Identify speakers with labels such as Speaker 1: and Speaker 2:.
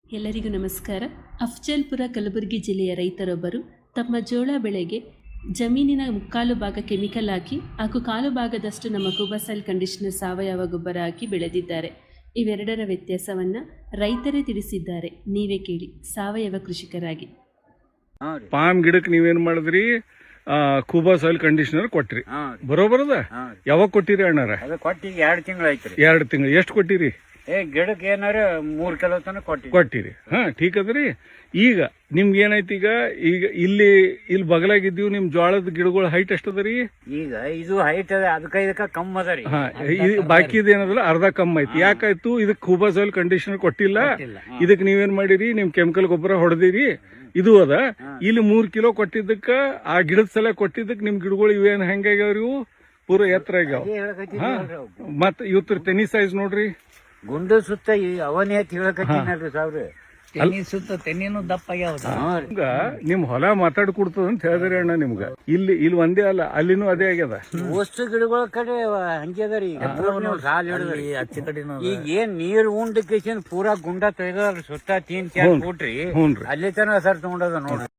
Speaker 1: ಎಲ್ಲರಿಗೂ ನಮಸ್ಕಾರ. ಅಫ್ಜಲ್ಪುರ ಕಲಬುರಗಿ ಜಿಲ್ಲೆಯ ರೈತರೊಬ್ಬರು ತಮ್ಮ ಜೋಳ ಬೆಳೆಗೆ ಜಮೀನಿನ ಮುಕ್ಕಾಲು ಭಾಗ ಕೆಮಿಕಲ್ ಹಾಕಿ ಹಾಗೂ ಕಾಲು ಭಾಗದಷ್ಟು ನಮ್ಮ ಕುಬಾಸಾಯಿಲ್ ಕಂಡೀಷನರ್ ಸಾವಯವ ಗೊಬ್ಬರ ಹಾಕಿ ಬೆಳೆದಿದ್ದಾರೆ. ಇವೆರಡರ ವ್ಯತ್ಯಾಸವನ್ನು ರೈತರೇ ತಿಳಿಸಿದ್ದಾರೆ. ನೀವೇ ಕೇಳಿ. ಸಾವಯವ ಕೃಷಿಕರಾಗಿ
Speaker 2: ಪಾಮ್ ಗಿಡಕ್ಕೆ ನೀವೇನ್ ಮಾಡಿದ್ರಿ? ಕುಬಾಸಾಯಿಲ್ ಕಂಡೀಷನರ್ ಕೊಟ್ರಿ, ಬರೋಬರದ? ಯಾವಾಗ ಕೊಟ್ಟಿರಿ ಅಣ್ಣಾರ?
Speaker 3: ಕೊಟ್ಟಿ 2 ತಿಂಗಳು ಐತ್ರಿ.
Speaker 2: 2 ತಿಂಗಳು. ಎಷ್ಟು ಕೊಟ್ಟಿರಿ?
Speaker 3: ಗಿಡಕ್ಕೆ ಏನಾರ 3 ಕಿಲೋ ತನಕ
Speaker 2: ಕೊಟ್ಟಿರಿ. ಠೀಕ್ ಅದ್ರಿ. ಈಗ ನಿಮ್ಗೆ ಏನೈತಿ, ಈಗ ಇಲ್ಲಿ ಬಗಲಾಗಿದ್ದೀವಿ, ನಿಮ್ ಜೋಳದ ಗಿಡಗಳ ಹೈಟ್ ಎಷ್ಟದರಿ?
Speaker 3: ಈಗ ಇದು ಹೈಟ್ ಅದ, ಅದಕ್ಕ ಕಮ್ಮಿ ಅದರಿ.
Speaker 2: ಬಾಕಿ ಏನದಲ್ಲ ಅರ್ಧ ಕಮ್ಮಿ ಐತಿ. ಯಾಕಾಯ್ತು? ಇದಕ್ಕೆ ಕುಬಾಸಾಯಿಲ್ ಕಂಡೀಷನರ್ ಕೊಟ್ಟಿಲ್ಲ. ಇದಕ್ ನೀವೇನ್ ಮಾಡಿರಿ? ನಿಮ್ ಕೆಮಿಕಲ್ ಗೊಬ್ಬರ ಹೊಡೆದಿರಿ. ಇದು ಅದ. ಇಲ್ಲಿ 3 ಕಿಲೋ ಕೊಟ್ಟಿದ್ದಕ್ಕ, ಆ ಗಿಡದ ಸಲ ಕೊಟ್ಟಿದ್ದಕ್ ನಿಮ್ ಗಿಡಗಳು ಇವೇನ್ ಹೆಂಗಾಗ್ಯಾವ್ರಿ? ಇವು ಪೂರ ಎತ್ತರ ಆಗ್ಯಾವ. ಮತ್ ಇವತ್ತು ತೆನಿ ಸೈಜ್ ನೋಡ್ರಿ,
Speaker 3: ಗುಂಡು ಸುತ್ತ ಅವನೇ ಹೇಳಕತ್ತೀನಲ್ರಿ ಸಾವಿರ ತೆನಿ ಸುತ್ತ ತೆನಿನೂ ದಪ್ಪ ಆಗ್ಯಾವ.
Speaker 2: ನಿಮ್ ಹೊಲ ಮಾತಾಡ್ಕೊಡ್ತದ ಅಂತ ಹೇಳಿದ್ರಿ ಅಣ್ಣ ನಿಮ್ಗ. ಇಲ್ಲಿ ಒಂದೇ ಅಲ್ಲ, ಅಲ್ಲಿನೂ ಅದೇ ಆಗ್ಯದ.
Speaker 3: ವಸ್ತು ಗಿಡಗಳ ಕಡೆ ಹಂಗೆ ಅದರಿ. ಸಾಲ ಹಿಡಿದ್ರಿ ಅಚ್ಚ ಕಡೆ. ಈಗ ಏನ್ ನೀರ್ ಉಂಡ ಕೇಶನ್ ಪೂರಾ ಗುಂಡ ತೆಗೆದ ಸುತ್ತ 3-4 ಫೂಟ್ರಿ. ಅಲ್ಲಿ ತನ ಸರ್ ತಗೊಂಡದ ನೋಡ್ರಿ.